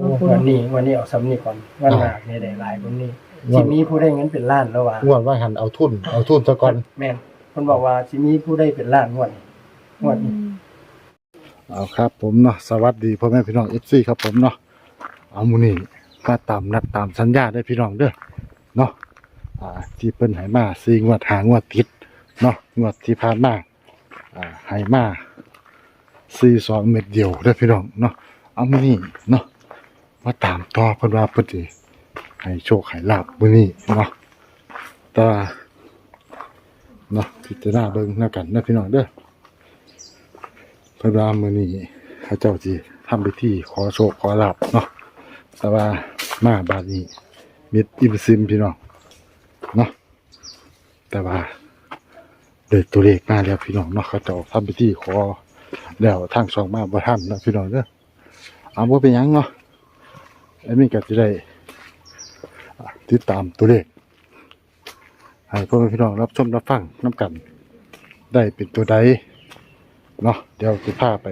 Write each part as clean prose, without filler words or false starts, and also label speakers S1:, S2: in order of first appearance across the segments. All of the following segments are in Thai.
S1: วันนี้เอาซ้ำนี่ก่อนวันหน้านี่ได้หลายกว่านี้สิมีผู้ได้เงินเป็นล้านแล้วว่ะ
S2: งวดว่าหันเอาทุนซะก่อน
S1: แม่นเพิ่นบอกว่าสิมีผู้ได้เป็นล้านงวดนี้
S2: เอาครับผมเนาะสวัสดีพ่อแม่พี่น้อง FC ครับผมเนาะเอามื้อนี้มาตามนัดตามสัญญาได้พี่น้องเด้อเนาะที่เพิ่นให้มา4งวด5งวดติดเนาะงวดที่ผ่านมาให้มา42เม็ดเดียวเด้อพี่น้องเนาะเอามื้อนี้เนาะมาตามต่อเพิ่นว่าเพิ่นสิให้โชคให้ลาภมื้อนี้เนาะแต่ว่าเนาะพิจารณาเบิ่งแล้วกันนะพี่น้องเด้อเพิ่นว่ามื้อนี้เขาเจ้าสิทำพิธีขอโชคขอลาภเนาะแต่ว่ามาบาดนี้มิดอิมซิมพี่น้องเนาะแต่ว่าได้ตัวเลขมาแล้วพี่น้องเนาะเขาเจ้าทำพิธีขอแล้วทางช่องมาบ่ทันนะพี่น้องเด้อเอาบ่เป็นหยังเนาะอันนี้ก็สิได้ติดตามตัวเลขให้พ่อแม่พี่น้องรับชมรับฟังนํกันได้เป็นตัวใดเนาะเดี๋ยวจะพาไป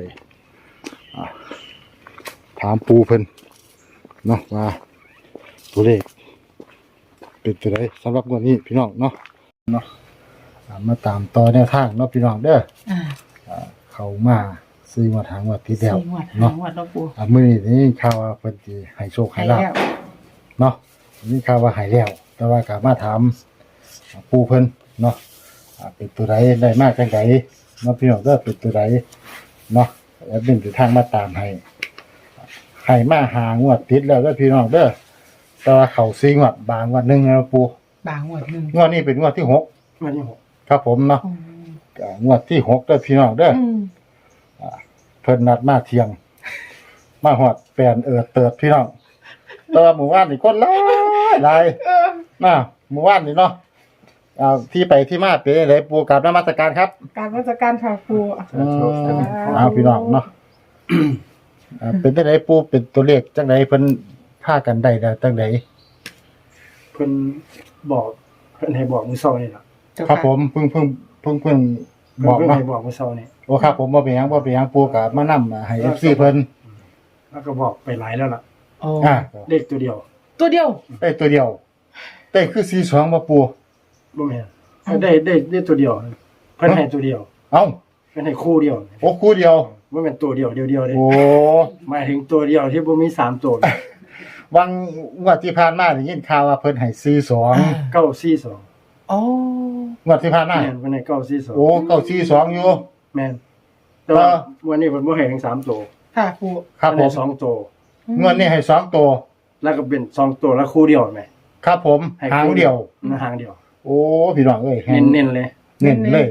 S2: ถามปูเพิ่นเนาะว่าตัวเลขเป็นตัวใดสำหรับวันนี้พี่น้องเนาะมาตามต่อแนวทางเนาะพี่น้องเด้อเข้ามาซื้อมาทางวัดที่แล้วเนาะมื้อนี้ข่าวว่าเพิ่นสิให้โชคให้ลาภเนาะนี่ข่าวว่าให้แล้วแต่ว่าก็มาถามปูเพิ่นเนาะเป็นตัวใดได้มากจังไดเนาะพี่น้องเด้อเป็นตัวใดเนาะแล้วเป็นทางมาตามให้มาหางวดติดแล้วเด้อพี่น้องเด้อแต่ว่าเข้าซิงวดบางวันนึงนะปู
S3: บางงวดนึง
S2: งวดนี้เป็นงวดที่6
S1: วันที่6
S2: ครับผมเนาะงวดที่6เด้อพี่น้องเด้อเพิ่นนัดมาเที่ยงมาฮอดแปลนเติดพี่น้องแต่ว่าหมู่บ้านนี่คนหลายนะหมู่บ้านนี่เนาะที่ไปที่มาเป็นไดปูกราบนมัสการครับ
S3: การราชการค่ะครู
S2: พี่น้องเนาะเป็นจังไดปูเป็นตัวเลขจังไดเพิ่นพากันได้แล้วจังได
S1: เพิ่นให้บอกมื้อเช้านี่ล่ะ
S2: ครับผมเพิ่งบอกเนาะ
S1: ให้บอกมื้อเช้านี่
S2: โอ้ครับผมบ่เป็นหยังปูก็มานำให้ FC เพิ่น
S1: แล้วก็บอกไปหลายแล้วล่ะเลขตัวเดียว
S3: ตัวเดียว
S2: ได้คือ42บ่ปู
S1: บ่แม่นได้ตัวเดียวเพิ่นให้ตัวเดียว
S2: เอ้า
S1: เพิ่นให้คู่เดียว
S2: โอ้คู่เดียว
S1: บ่แม่นตัวเดียวเดียวเด้
S2: โอ้
S1: หมายถึงตัวเดียวที่บ่มี3ตัว
S2: วังงวดที่ผ่านมาได้ยินข่าวว่าเพิ่นให้42
S1: 942
S3: อ๋อง
S2: วดที่ผ่านมา
S1: แม่นเพิ่นให้942
S2: โอ้942อยู่
S1: แม่นแต่ว่าวันนี้เพิ่นบ่ให้ถึง3ตัว
S3: ค่ะครู
S2: ครับผม
S1: 2ตัว
S2: งวดนี้ให้2ตัว
S1: แล้วก็เป็น2ตัวแล้วคู่เดียวแม่
S2: ครับผมหางเดียว
S1: หางเดียว
S2: โอ้พี่น้องเอ้ย
S1: เน้นเลย
S2: เน้นเลย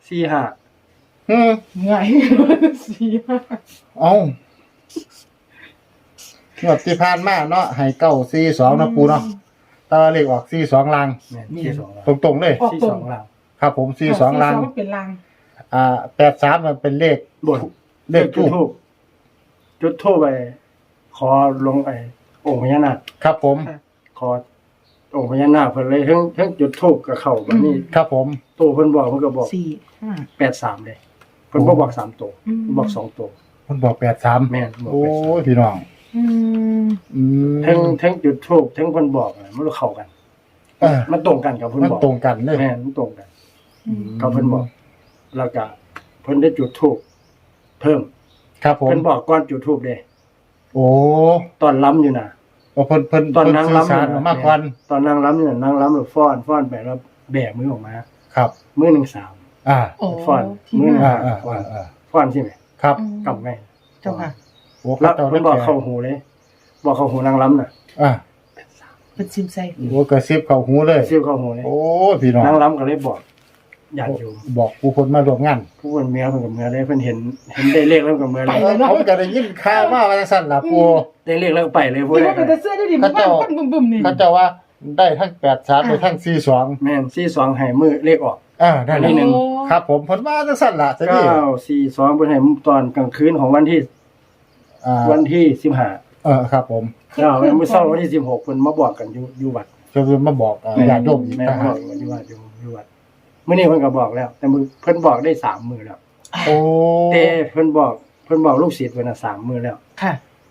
S1: 45
S3: ง่าย
S2: เอ้างวดที่ผ่านมาเนาะให้942นะปูเนาะตาเลขออก42ลางตรงๆเลย
S1: 42ลาง
S2: ครับผม42ลาง
S3: เป็นลาง
S2: 83มันเป็นเลข
S1: บนเลขจุดทูปไปขอลงองค์พญานาค
S2: ครับผม
S1: ขอองค์พญานาคเพิ่นเลยทั้งจุดทูปกับเข้าบัดนี้
S2: ครับผม
S1: ตัวเพิ่นบอกเพิ่นก็บอก83เลยเพิ่นบ่บอก3ตัวบอก2ตัว
S2: เพิ่นบอก83
S1: แม่น
S2: โอ้ยพี่น้อง
S1: ทั้งจุดทูปทั้งเพิ่นบอกมันเข้ากันมันตรงกันกับเพิ่นบอก
S2: มันตรงกันเลย
S1: แม่นมันตรงกันกับเพิ่นบอกแล้วก็เพิ่นได้จุดทูปเพิ่ม
S2: ครับผม
S1: เพิ่นบอกก่อนจุดทูปเด้
S2: โอ้
S1: ตอนล้ำอยู่น่ะ
S2: เพิ่น
S1: ตอนนั่งล้ำ
S2: มากกว่า
S1: ตอนนั่งล้ำอยู่นั่งล้ำแล้วฟ้อนไปแล้วแบกมือออกมา
S2: ครับ
S1: มือ1 3ฟ้อนมือฟ้อนใช่มั้ย
S2: ครับ
S1: กำไง
S3: เจ้าค่ะ
S1: โอ้แล้วเพิ่นบอกเข้าหูเลยบอกเข้าหูนั่งล้ำน่ะ
S3: เป็นซิมไซ
S2: โอ้กระซิบเข้าหูเลย
S1: ซิบเข้าหูเลย
S2: โอ้พี่น้อง
S1: นั่งล้ำก็เลยบอกญาติโยม
S2: บอกผู้คนมาร่วมงาน
S1: ผู้คนเมียเพิ่นกับเมียได้เพิ่นเห็นได้เลขแล้วกับเมียเลย
S2: ผมก็ได้ยินข่าวว่าจังซั่นล่ะปู่
S1: ได้เลขแล้วไปเลย
S3: พุ่นนี่เป็นเสื้อได้ดิมันบึ้มๆนี่
S2: เขาเจ้าว่าได้ทั้ง83ได้ทั้ง42
S1: แม่น42ให้มื้อเลขออก
S2: ได้ที่1ครับผมเพิ่นว่าจังซั่นล่ะ
S1: จังซี่942เพิ่นให้ตอนกลางคืนของวันที่15
S2: ครับผม
S1: มื้อเช้าวันที่16เพิ่นมาบอกกันอยู่วัด
S2: เพิ่นมาบอกญาติโยมอีกนะ
S1: ฮะอยู่วัดมื้อนี้เพิ่นก็บอกแล้วแต่เพิ่นบอกได้3มื้อแล้ว
S2: โอ้
S1: แต่เพิ่นบอกลูกศิษย์เพิ่นน่ะ3มื้อแล้ว
S3: ค่ะ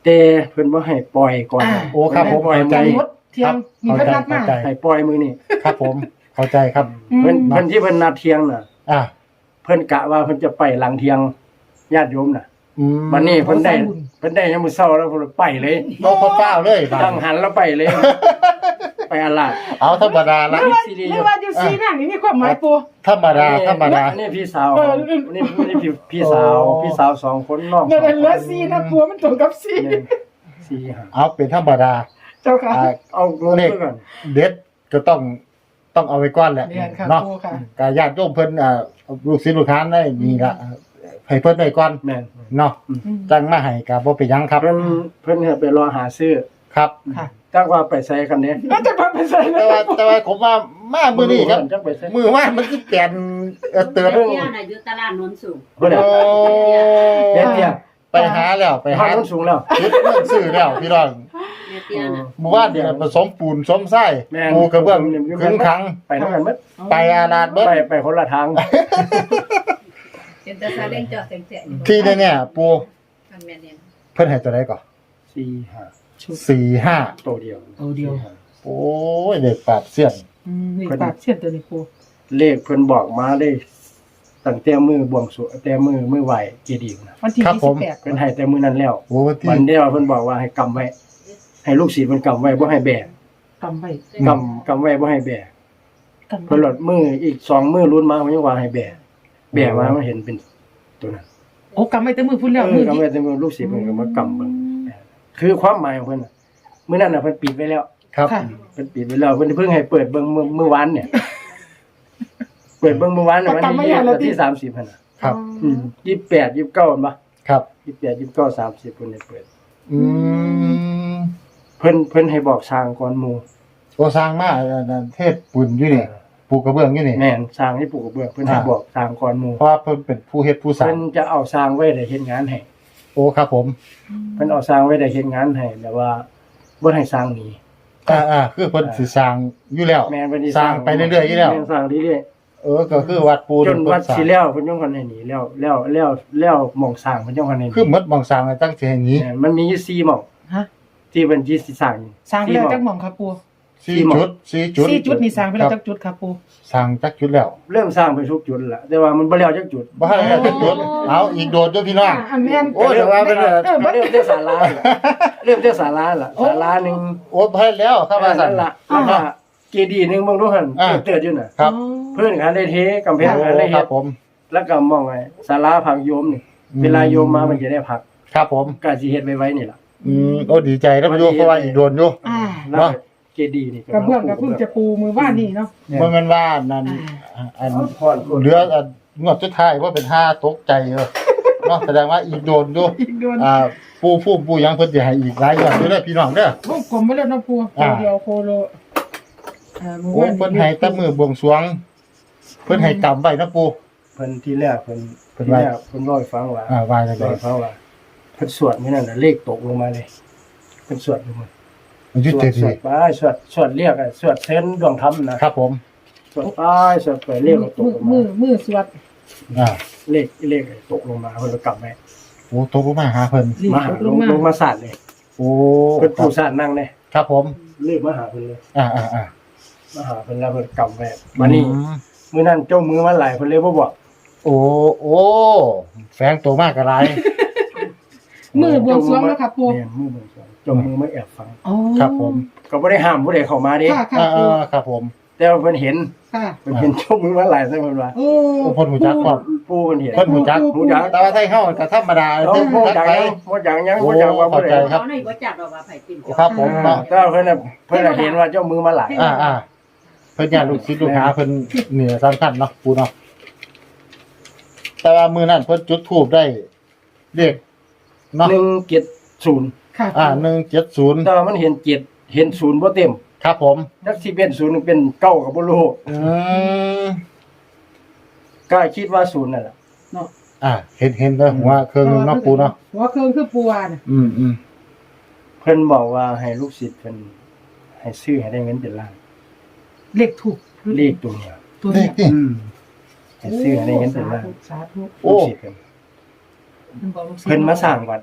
S1: แต่เพิ่นบ่ให้ปล่อยก่อน
S2: โอ้ครับผม
S1: ปล่อย
S2: เข้าใจ
S3: ใจงดเที่ยงมีเพิ่นนัดมา
S2: เข้าใจ
S1: ให้ปล่อยมือนี่
S2: ครับผมเข้าใจครับ
S1: เพิ่นที่เพิ่นนัดเที่ยงน่ะ
S2: อ่า
S1: เพิ่นกะว่าเพิ่นจะไปหลังเที่ยงญาติโยมน่ะ
S2: อืม
S1: วันนี้เพิ่นได้ยามมื้อเช้าแล้วเพิ่นไปเลย
S2: โลกเปล่าเลยบาด
S1: ตั้งหันแล้วไปเลย ไปอาลาด
S2: เอาธรรมดา
S3: ห
S2: ละ
S3: รือว่าหรือว่าอยู่ซีนั่นนี่มีความหมายปู
S2: ธรรมดาธรรมดา
S1: นี่พี่สาวนี่พี่สาว
S2: โอ้
S1: พี่สาวสองคนน้อง
S3: นั่นเหลือซีนะปูมันตรงกับซี
S1: เนี่ยสี่ห้า
S2: เอาเป็นธรรมดา
S3: เจ้าค่ะ
S2: อ่า
S1: เอาลง
S2: เลข
S1: ไปก่อน
S2: เด็ดก็ต้องเอาไว้ก่อนแหละ
S3: เรียนค่ะ
S2: เนาะ
S3: ปูค่ะ
S2: กญาติโยมเพิ่นลูกศิษย์ลูกหาได้นี่ละให้เพิ่นไว้ก่อน
S1: แม่น
S2: เนาะจังมาให้ก็บ่เป็นหยังครับ
S1: เพิ่นให้ไปรอหาซื้อ
S2: ครับ
S3: ค่ะ
S1: จักว่าไปใส่กันเด้
S3: แล้วจะมาเป็นไส
S2: แต่ว่าผมว่ามามื้อนี้ครับ
S1: จักไปใส่
S2: มือว่ามันสิเปลี่ยนเตือน
S4: เที่ยวน่ะอยู่ตลาดโนนสูง
S1: เพิ่น
S2: โอ้
S1: เด็ดเที่ย
S2: ไปหาแล้วไป
S1: ไป
S2: หา
S1: หาต้นสูงแล้ว
S2: ชุดเรื่องซื้อแล้วพี่น้อง
S4: แม่เที่ยวน่ะ
S2: หมู่บ้านเนี่ยผสมปูนผสมทราย
S1: แม่น
S2: ปูกระเบื้องครึ่งครั้ง
S1: ไปนำกันเบิด
S2: ไปอาลาดเบิด
S1: ไปคนละทาง
S4: เป็นตาซาเล้งจอดแสงๆ
S2: ที่เนี่ยปู
S4: มันแม่นเนี่ย
S2: เพิ่นให้ตัวใดก่อน
S1: 4 5
S2: 45
S1: ตัวเดียว
S3: เอาเดียว
S2: โอ้ยเด็กปราบเสี้ยน
S3: นี่ปากเสียนตัวนี้ปู
S1: เลขเพิ่นบอกมาได้ตั้งแต่มือบวงสรวงแต่มือไหวเจดีย์นะ
S3: วันที่
S2: ครับผม
S3: 28
S1: เพิ่นให้แต่มือนั้นแล้ว
S2: โอ้ที่
S1: วันเดียวเพิ่นบอกว่าให้กำไว้ ให้ลูกศิษย์มันกำไว้บ่ให้แบก
S3: กำไว้
S1: กำไว้บ่ให้แบก
S3: กำ
S1: เพิ่นหลดมืออีก2มือรุ่นมามันยังว่าให้แบกแบกมามันเห็นเป็นตัวนั้น
S3: โอ้กำไว้แต่มือพุ่นแล้วมือก
S1: ำ
S3: นี้
S1: ไว้แต่มือลูกศิษย์เพิ่นก็มากำเบิ่งคือความหมายของเพิ่นน่ะมื้อนั้นน่ะเพิ่นปิดไว้แล้ว
S2: ครับ
S3: ค่ะ
S1: เพิ่นปิดไว้แล้วเพิ่นเพิ่งให้เปิดเบิ่งมื้อวานเนี่ย เปิดเบิ่งมื้อวานน่ะวันที่30หั่นน่ะ
S2: ครับ
S1: 28 29บ่
S2: ครับ
S1: 28 29 30เพิ่นให้เปิด
S2: อืม
S1: เพิ่นให้บอกสร้างก่อนหมู่
S2: โอ้สร้างมาเทศปุ่นอยู่นี่ปูกระเบื้องอยู่นี่
S1: แม่นสร้างให้ปลูกกระเบื้องเพิ่นให้บอกสร้างก่อนหมู่
S2: เพราะว่าเพิ่นเป็นผู้เฮ็ดผู้สร้า
S1: เพิ่
S2: ง
S1: นจะเอาสร้างไว้ได้เฮ็ดงานให้
S2: โอ้ครับผม
S1: เพิ่นเอาสร้างไว้ได้เฮ็ดงานให้แบบว่าบ่ให้สร้างหนี
S2: คือเพิ่นสิสร้างอยู่แล้ว
S1: แม่นเพิ่นสิ
S2: สร้างไปเรื่อยๆอยู่แล้ว
S1: ม่นสร้างเรื่อย
S2: ก็คือวัดปู
S1: ๆจนวัด
S2: เพิ่สร้าง
S1: สิแล้วเพิ่นยังคนให้หนีแล้วหม่องสร้างเพิ่นยังคนให้หนี
S2: คือหมดบางสร้างตั้งสิให้หนี้
S1: แม่นมันมีอยู่4หม่อง
S3: ฮะ
S1: ที่เพิ่นสิสร้างอยู่
S3: สร้างไปแล้ว
S1: 4หม่
S3: จั
S1: อก ง
S3: หม่องครับปู
S2: 4จุด4จุด
S3: 4จุดนี่สร้างไปแล้ว
S2: ค
S3: จั
S2: รับ
S3: กจุดครับปู
S2: สร้างจักจุดแล้ว
S1: เริ่มสร้างไปทุกจุดแล้วแต่ว่ามันบ่แล้วจักจุด
S2: บ่ให้แล้วจักจุดเอาอีกโดดเด้อพี่น้อง
S3: อันแม่น
S2: โอ้ยแต่ว่าเป็น
S1: เริ่มที่ศาลาเริ่มที่ศาลาล่ะศาลาหนึง
S2: โอ้ให้แล้วเข้ามาสั่
S1: นั่
S2: น
S1: นล่ะแล้วก็เจดีย์หนึงเบิ่งดูหั่น
S2: อ่า
S1: เติดอยู่น่ะ
S2: ครับ
S1: เพื่อนกันได้เทกำแพงกันได้
S2: ค
S1: เฮ็
S2: รั
S1: ด
S2: บผม
S1: แล้วก็มองไงศาลาพักโยมนี่เวลาโยมมามันจะได้พัก
S2: ครับผม
S1: ก็สิเฮ็ดไว้นี่ล่ะ
S2: โอ้ดีใจแล้วอยู่เพราะว่าอีกโดนอยู่
S3: อ่า
S1: แล้วก็เจดีย์นี่
S3: กระเบื้องก็เพิ่งจะปูมือว่านนี่เนาะ
S2: บ่แม่นว่านั่นอัน
S1: พอด
S2: เหลืองวดสุดท้ายว่าเป็น5ตกใจเเนาะแสดงว่าอีกโดนอยู่
S3: อีกโดน
S2: ผู้ยังเพิ่นสิให้อีกหลายงวดอยู่เด้อพี่น้องเด้อ
S3: วงกลมไปแล้วเนาะปูตัวเดียวโคโลมือ
S2: โอ้
S3: ว่าน
S2: เพิ่นให้แต่มือบวงสรวง เพิ่นให้กำไว้นะปู่
S1: เพิ่นที่แรกเพิ่น
S2: เพิ่น
S1: ที่
S2: ว่า
S1: แรกเพิ่นเล่าให้ฟังว่า
S2: ว่าจังได๋
S1: เล่าให้ฟังว่าเพิ่นสวดนี่นั่นน่ะเลขตกลงมาเลยเพิ่นสวดอยู่มัน
S2: มันอยู่
S1: สว
S2: เต็
S1: ด
S2: ม
S1: สว
S2: ที่
S1: ดไปสวดเรียกอะสวดเซนดวงธรรมนะครับ
S2: ผม
S1: สวดไปสวดไปเลขก็ตกลง
S3: มื
S1: มา
S3: อมือสวด
S2: อ่า
S1: เลขตกลงมาเพิ่นก็กลับไว้
S2: โอ้ตกลงมาหาเพิ่น
S3: รีบ
S1: มาหา
S3: ลงมา
S1: ลงมาสาดเลย
S2: โอ้
S1: เพิ่นปู่สาดนั่งเลย
S2: ครับผม
S1: เลขมาหาเพิ่นเลย
S2: อ่า
S1: มาหาเพิ่นแล้วเพิ่นกำไว้มานี่มื้อนั้นเจ้ามือมาหลายเพิ่นเลยบ่บอก
S2: โอ้แฝงตัวมากกะหลาย
S3: มือบวงสรวงแล้วครับปู
S1: เนี่ยมือบวงสรวงเจ้ามือมาแอบฟัง
S3: อ๋อ
S2: ครับผม
S1: ก็บ่ได้ห้ามผู้ใดเข้ามาเด้
S3: ค่ะค่ะปู
S2: ครับผม
S1: แต่ว่าเพิ่นเห็น
S3: ค่ะ
S1: เพิ่นเห็นเจ้ามือมาหลายซะเพิ่นว่า
S3: โอ้
S2: โอ้เพิ่นหูจักความ
S1: ปู่เพิ่นเห็น
S2: เพิ่นหูจัก
S1: หูจัก
S2: แต่ว่าไทยเฮาก็ธรรมดา
S1: เรา
S2: เพิ่น
S1: บ่
S2: จัก
S1: จัก
S2: ไป
S1: บ่จักยังบ่จักว่าผู้ใด
S2: เข้าใจ ครับ
S4: เขาในบ่จักดอกว่าไผเป็นเจ้า
S2: ครับผมเนาะ
S1: แต่ว่าเพิ่นน่ะเพิ่นน่ะเห็นว่าเจ้ามือมาหลาย
S2: เพิ่นญาติลูกศิษย์ลูกหาเพิ่นนี่สำคัญเนาะปู่เนาะแต่ว่ามื้อนั้นเพิ่นจุดธูปได้เลขเนาะ
S1: 170
S3: ค่ะ
S2: 170
S1: แต่ว่ามันเห็น7เห็น0บ่เต็ม
S2: ครับผม
S1: จักสิเป็น0หรือเป็น9ก็บ่รู้
S2: อืม
S1: ก็คิดว่า0นั่นล่ะ
S3: เนาะ
S2: เห็นเลยหัวเครื่องนึงเนาะปู่เนาะ
S3: หัวเครื่องคือปูวาน่ะ
S2: อืม
S1: เพิ่นบอกว่าให้ลูกศิษย์เพิ่นให้ซื้อให้ได้เงินเป็นล้าน
S3: เลขถูก
S1: เลขตัวเนี้ย
S3: ตัว
S2: เล
S3: เนี้
S2: ขนี่
S1: ให้ซื้อให้ได้เงินเป็นล้าน
S3: สาธุ
S2: โอ้
S1: ลูกศิษย์เพิ่น
S3: มันบอกลูกศิษย์
S1: เพิ่นมาสร้างวัดเด้
S3: จ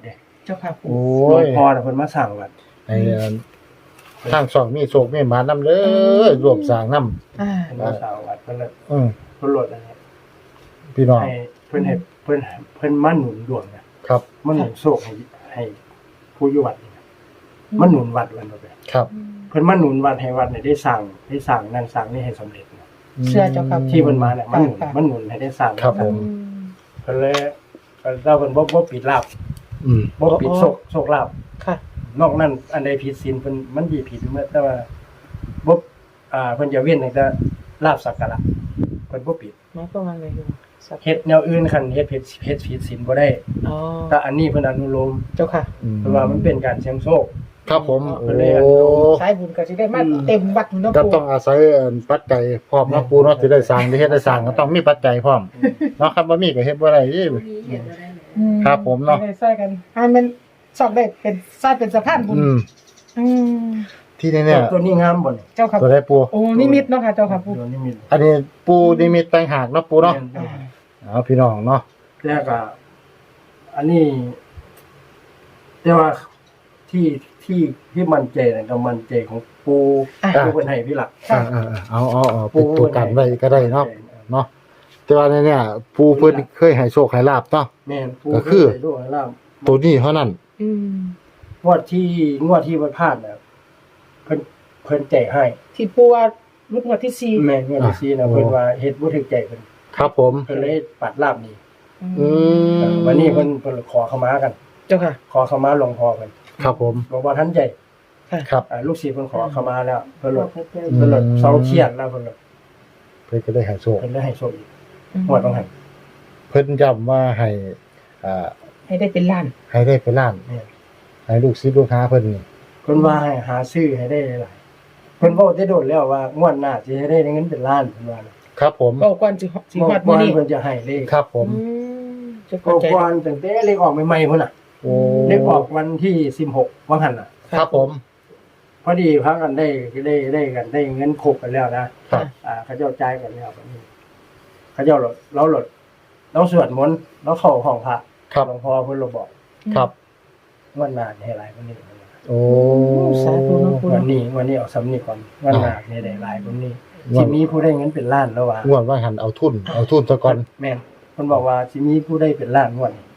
S3: จ้าค่ะ
S2: โอ้
S1: หลวง
S2: ย
S1: พ่อน่ะเพิ่นมาสร้างวัด
S2: ให้ทางช่องมีโชคมีหมานำเด้อรวมสร้างนำ
S3: อ่า
S1: เพิ่นมาสร้างวัดเพิ่นเลย เพิ่นลดนะครับ
S2: พี่น้อง
S1: ให้เพิ่นมาหนุนดวงนะครับ มาหนุนโชคให้ผู้อยู่วัดนี่นะมาหนุนวัดวันบ่ไป
S2: ครับ
S1: เพิ่นมาหนุนวัดให้วัดเนี่ยได้สร้างนั่นสร้างนี่ให้สำเร็จนะ
S3: เชื่อเจ้าค่ะ
S1: ที่เพิ่นมาเนี่ยมาหนุนให้ได้สร้าง
S2: ครับผม
S1: เพิ่นเลยเราเพิ่นบ่ปิดลาบ
S2: อืม
S1: บ่ปิดโชคลาภ
S3: ค่ะ
S1: นอกนั้นอันใดผิดศีลเพิ่นมันสิผิดเมื่อแต่ว่าบ่เพิ่นจะเว้นตั้งแต่ลาบสักการะเพิ่นบ่ปิด
S3: หมายความว่าไงอยู่สัก
S1: เฮ็ดแนวอื่นคันเฮ็ดผิดศีลบ่ได้
S3: อ๋อ
S1: แต่อันนี้เพิ่นอนุโลม
S3: เจ้าค่ะ
S1: เพราะว่ามันเป็นการเสี่ยงโชค
S2: ครับผม
S1: เพิ่นเลยอ
S2: โอ้
S1: นุโลม
S3: สายบุญก็สิได้มาเต็มวัดเนาะ
S2: ก็
S3: ปู่
S2: ต้องอาศัยปัจจัยพร้อมเนาะปูเนาะสิได้สร้างได้เฮ็ดได้สร้างก็ต้องมีปัจจัยพร้อมเนาะครับบ่มีก็เฮ็ดบ่ได้อี
S4: มีเห็นอะไรไหม
S2: ครับผมเนาะ
S3: ได้ใส่กันให้มันสอบได้เป็นสายเป็นสะพานบุญ
S2: อืม
S3: อืม
S2: ที่นี่เนี่ย
S1: ตัวนี้งามบ่นี่
S3: เจ้าค่ะ
S2: ตัวได้ปู
S3: โอ้นิมิตเนาะค่ะเจ้าค่ะปู่
S1: ตัวนี้มี
S2: อันนี้ปูนิมิตต่างหากเนาะปูเนาะ
S3: อ่า
S2: เอาพี่น้องเนาะ
S1: แต่ก็อันนี้แต่ว่าที่มั่นใจน่ะก็มั่นใจของปู่
S3: อ่า
S1: ผู้เพิ่นให้พี่หลัก
S3: ค่ะ
S2: เอาเป็นตัวกันไว้ก็ได้เนาะเนาะแต่ว่าเนี่ยปูเพิ่นเคยให้โชคให้ลาบเนาะ
S1: แม่นปู่
S2: ก็คือ
S1: เพิ่นให้ด้วยลาบ
S2: ตัวนี้เท่านั้น
S3: อืม
S1: งวดที่มันพลาดน่ะเพิ่นแจกให้
S3: ที่ปู่ว่ารุ่นงวดที่สี่
S1: แม่นงวดที่สี่น่ะเพิ่นว่าเฮ็ดบ่ถึกใจเพิ่น
S2: ครับผม
S1: เพิ่นเลยปัดลาบนี่
S2: อืม
S1: วันนี้เพิ่นขอเข้ามากัน
S3: เจ้าค่ะ
S1: ขอเข้ามาหลวงพ่อเพิ่น
S2: ครับผม
S1: บอกว่าทันใจ
S2: ครับ
S1: ลูกศิษย์เพิ่นขอเข้ามาแล้วเพิ่นลด
S2: อืม
S1: เพิ่นลดเซาเครียดแล้วเพิ่นลด
S2: เพิ่นก็ได้ให้โชค
S1: เพิ่นได้ให้โชคอีกงวดต้องให้
S2: เพิ่นย้ำว่าให้อ่า
S3: ให้ได้เป็นล้าน
S2: ให้ได้เป็นล้าน
S1: แม่น
S2: ให้ลูกศิษย์ลูกหาเพิ่นนี่
S1: เพิ่นว่าให้หาซื้อให้ได้หลายๆเพิ่นเว้าได้โดดแล้วว่างวดหน้าสิให้ได้เงินเป็นล้านเพิ่นว่านะครับ
S2: ผม
S3: ก็ก่อนสิฮอดมื้อนี้
S1: เพิ่นจะให้เลข
S2: ครับผม
S3: จะ
S1: ก็
S3: เข้าใจ
S1: ก่อนตั้งแต่เลขออกใหม่ๆพุ่นน่ะ
S2: โอ้
S1: เลขออกวันที่16วังหันน่ะ
S2: ครับผม
S1: พอดีพากันได้กันได้เงินครบกันแล้วนะครับ เขาเจ้าจ่ายกันแล้วบัดนี้เขาเจ้าเราสวดมนต์เราเข้าห้องพระ
S2: ครับ
S1: หลวงพ่อเพิ่นเราบอก
S2: ครับ
S1: งวดหน้านี่ให้หลายกว่านี้
S2: โอ้
S3: สาธุเนาะปู่
S1: วัน
S3: เนาะ
S1: นี้เอาสำนี้ก่อนงวดหน้านี่ได้หลายกว่านี้
S2: งว
S1: สิ
S2: ด
S1: มีผู้ได้เงินเป็นล้านแล้วว่ะ
S2: งวดว่าหันเอาทุนซะก่อน
S1: แม่นเพิ่นบอกว่าสิมีผู้ได้เป็นล้านงวดนี้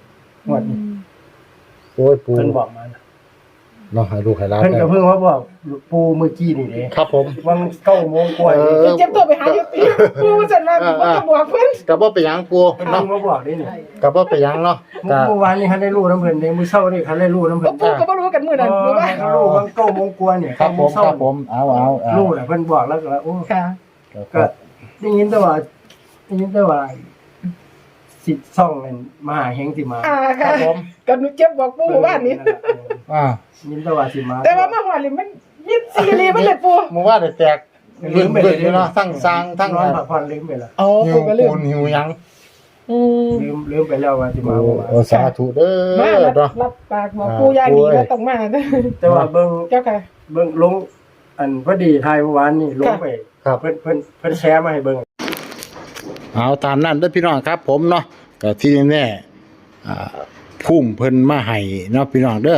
S2: โอ้ยปู
S1: เพิ่นบอกมานะ
S2: เนาะให้ลูกให้หลาน
S1: เพิ่น
S2: ได้
S1: ก็เพิ่งว่าบอกปูเมื่อกี้นี่เด้
S2: ครับผม
S1: วัง9โมงกว่า
S2: เออ
S3: เจ็บตัวไปหาอยู่ตีปู่ว่าซั่นว่าบ่จะบอกเพิ่น
S2: ก็บ่เป็นหยังปู
S1: เพิ่น
S2: เนาะ
S1: มาบอกนี่นี่
S2: ก็บ่เป็นหยังเนาะก็
S1: เมื่อวานนี้คันได้รู้น้ำเพิ่นเด้มื้อเช้านี่คันได้รู้น้ำเพิ่น
S3: ปู่ก็บ่รู้กันมื้อนั้นรู้ว่า
S1: เขารู้วัง9โมงกว่าเนี่ย
S2: ครับผม
S1: เช้า
S2: ครับผมเอา
S1: รู้แหละเพิ่นบอกแล้วก็ว่าโอ้
S3: ค่ะ
S1: ก็ได้ยินแต่ว่าสิซ่องนั่นมหาเฮงสิมา
S3: อ่า
S2: ค
S3: ค่ะ
S2: รับผม
S3: ก็หนูเจ็บบอกปู่ว่านี่
S2: อ่า
S1: ยินแต่ว่าสิมา
S3: แต่ว่ามาฮอดนี่มันยิดซีรีมันเลยปู่
S2: เมื่อวานได้แตกลืมอยู่เนาะทั้งสร้างทั้ง
S1: นอนพักผ่อนลืมไปแล้ว
S3: อ๋อ
S2: หิว
S3: ปู่ก็ลื
S2: ปู
S3: ม
S2: นหิวหยัง
S3: อืม
S1: ลืมไปแล้วว่าสิมา
S2: โอ้สาธุเด้
S3: มา
S2: อเนาะ
S3: รับปากบอกปู่อย่างดีว่าต้องมาเด้อ
S1: แต่ว่าเบิ่ง
S3: เจ้าค่ะ
S1: ลงอันพอดีทายเมื่อวานนี่ลงไป
S2: ครับ
S1: เพิ่นแชร์มาให้เบิ่ง
S2: เอาตามนั้นเด้อพี่น้องครับ ผมเนาะก็ที่แน่พุ่มเพิ่นมาให้เนาะพี่น้องเด้อ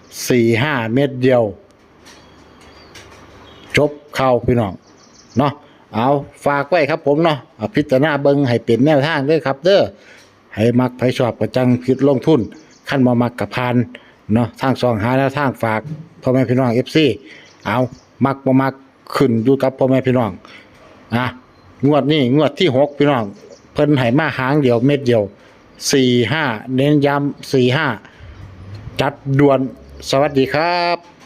S2: 4-5 เม็ดเดียว จบเข้าพี่น้องเนาะเอาฝากไว้ครับผมเนาะพิจารณาเบิ่งให้เป็นแนวทางเด้อครับ เด้อให้มักไผชอบก็จังคิดลงทุนคันบ่มักก็ผ่านเนาะทางช่องหาแนวทางฝากพ่อแม่พี่น้อง FC เอามักบ่มักขึ้นอยู่กับพ่อแม่พี่น้องงวดนี้งวดที่6พี่น้องเพิ่นให้มาหางเดียวเม็ดเดียว4-5เน้นย้ำ4-5จัดด่วนสวัสดีครับ